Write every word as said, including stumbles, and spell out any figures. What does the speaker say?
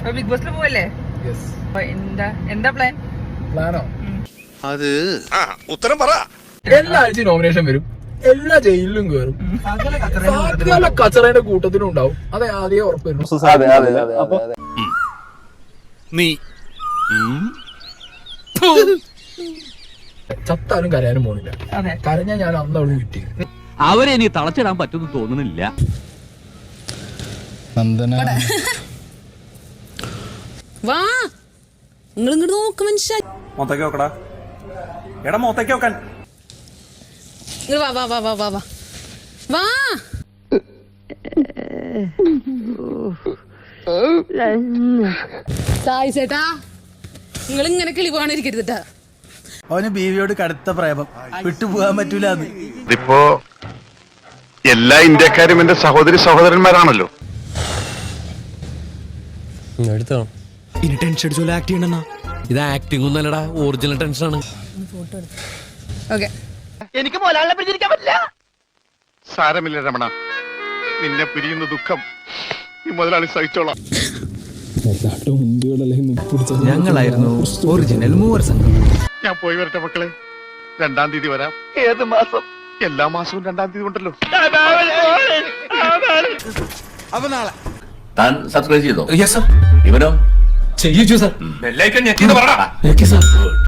Big ബോസിൽ പോവല്ലേ? എന്താ എന്താ പ്ലാൻ? പ്ലാനോ? അത് ഉത്തരം പറ. എല്ലാ ആഴ്ചയും നോമിനേഷൻ വരും, എല്ലാ ജയിലിലും കയറും, സകല കച്ചറയുടെ കൂട്ടത്തിലും ഉണ്ടാവും. അതെ ആദ്യം ഉറപ്പ് വരുന്നു. നീ ചത്താലും കരയാനും പോണില്ല. കരഞ്ഞാൽ ഞാൻ അന്ന് അവള് കിട്ടി. അവരെ ഇനി തളച്ചിടാൻ പറ്റുമെന്ന് തോന്നുന്നില്ല. വാ നിങ്ങൾ ഇങ്ങോട്ട് നോക്ക് മനുഷ്യ. മൊത്തക്ക് നോക്കടാ, എടാ മൊത്തക്ക് നോക്കാൻ. വാ വാ വാ വാ വാ വാ വാ. സായി ചേട്ടാ, നിങ്ങൾ ഇങ്ങനെ കിളി പോകാനിരിക്കരുതാ. അവന് ബീവിയോട് കടുത്ത പ്രേമം, വിട്ടുപോകാൻ പറ്റൂല. ഇതിപ്പോ എല്ലാ ഇന്ത്യക്കാരും എന്റെ സഹോദരി സഹോദരന്മാരാണല്ലോ. ഇനി ടെൻഷൻ അടിച്ചോലെ ആക്ട് ചെയ്യണെന്നാ. ഇത് ആക്ടിംഗ് ഒന്നല്ലടാ, ഒറിജിനൽ ടെൻഷനാണ്. ഓക്കെ, എനിക്ക് മോലാളിനെ പിടിച്ചിരിക്കാൻ പറ്റില്ല. സാരമില്ല രമണ, നിന്നെ പിരിയുന്ന ദുഃഖം ഈ മുതലാളി സഹിച്ചോളാം. ഞങ്ങളായിരുന്നു ഒറിജിനൽ മൂവർ സംഘം. ഞാൻ പോയി വരട്ടെ മക്കളെ, രണ്ടാം തീയതി വരാം. ഏത് മാസം? എല്ലാ മാസവും രണ്ടാം തീയതി ഉണ്ടല്ലോ. അപ്പൊ നാളെ താൻ സബ്സ്ക്രൈബ് ചെയ്തോ? Yes sir. ഇവനോ? ചെയ്യിച്ചു സർ. ബെല്ലൈക്കൺ ഞെക്കിന്ന് പറടാ. സർ.